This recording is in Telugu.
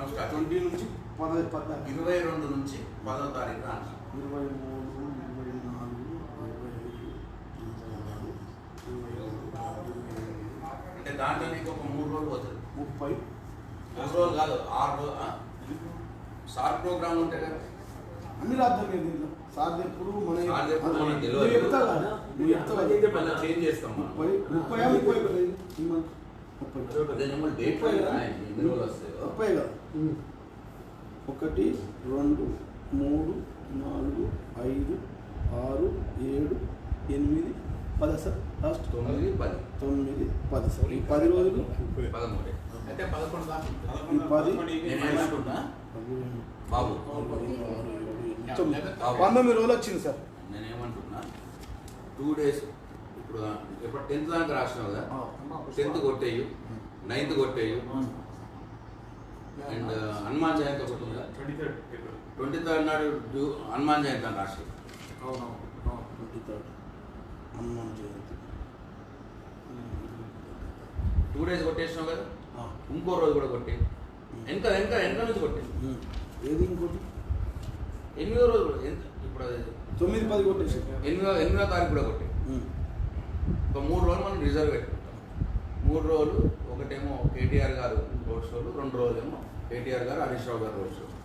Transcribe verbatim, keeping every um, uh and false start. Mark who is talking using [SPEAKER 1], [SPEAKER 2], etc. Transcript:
[SPEAKER 1] స్టార్ట్
[SPEAKER 2] ట్వంటీ నుంచి పద పద్నాలుగు
[SPEAKER 1] ఇరవై రెండు నుంచి పదో తారీఖు రాను
[SPEAKER 2] ఇరవై మూడు ఇరవై నాలుగు ఇరవై ఐదు ఇరవై ఆరు ఇరవై ఏడు
[SPEAKER 1] అంటే దాంట్లో నీకు ఒక మూడు రోజులు పోతుంది.
[SPEAKER 2] ముప్పై
[SPEAKER 1] మూడు రోజులు కాదు ఆరు రోజులు సార్ ప్రోగ్రామ్ ఉంటాయి కదా
[SPEAKER 2] అన్ని రాద్దాం లేదు దీంట్లో సార్ ఎప్పుడు మన
[SPEAKER 1] సార్ ఎప్పుడు మనకు తెలియదు.
[SPEAKER 2] నువ్వు చెప్తావు కదా నువ్వు చెప్తావు కదా
[SPEAKER 1] మళ్ళీ చేంజ్ చేస్తాం మనం.
[SPEAKER 2] ముప్పై ముప్పై ముప్పై కదా ఇది? ఈ మంత్ ముప్పై
[SPEAKER 1] అదే నెంబర్ డేట్
[SPEAKER 2] ముప్పై కదా
[SPEAKER 1] ఎన్ని రోజులు వస్తాయో
[SPEAKER 2] ముప్పై కదా ఒకటి రెండు మూడు నాలుగు ఐదు ఆరు ఏడు ఎనిమిది పది సార్ లాస్ట్
[SPEAKER 1] తొమ్మిది పది
[SPEAKER 2] తొమ్మిది పది సార్ ఈ పది రోజులు
[SPEAKER 1] పదమూడు అంటే పదకొండు దాకా
[SPEAKER 2] ఈ పది
[SPEAKER 1] నేను ఏమంటున్నా బాబు
[SPEAKER 2] పంతొమ్మిది రోజులు వచ్చింది సార్.
[SPEAKER 1] నేనేమంటున్నా టూ డేస్ ఇప్పుడు ఇప్పుడు టెన్త్ దాకా రాసినావు కదా టెన్త్ కొట్టేయు నైన్త్ కొట్టేయు అండ్ హనుమాన్ జయంతి ఒకటి ఉందా ట్వంటీ థర్డ్ నాడు డ్యూ హనుమాన్ జయంతి అని రాసి
[SPEAKER 2] twenty third Hanuman Jayanti
[SPEAKER 1] two days కొట్టేసినావు కదా ఇంకో రోజు కూడా కొట్టే వెనక వెనక వెనక నుంచి కొట్టే
[SPEAKER 2] ఏది ఇంకోటి
[SPEAKER 1] ఎనిమిదో రోజు కూడా ఎంత ఇప్పుడు అది
[SPEAKER 2] తొమ్మిది పది కొట్టేసి
[SPEAKER 1] ఎనిమిదో ఎనిమిదో తారీఖు కూడా కొట్టే ఒక మూడు రోజులు మనం రిజర్వ్ పెట్టుకుంటాం. మూడు రోజులు ఒకటేమో కేటీఆర్ గారు రోడ్ షోలు, రెండు రోజులేమో కేటీఆర్ గారు హరీష్ రావు గారు రోడ్ షో.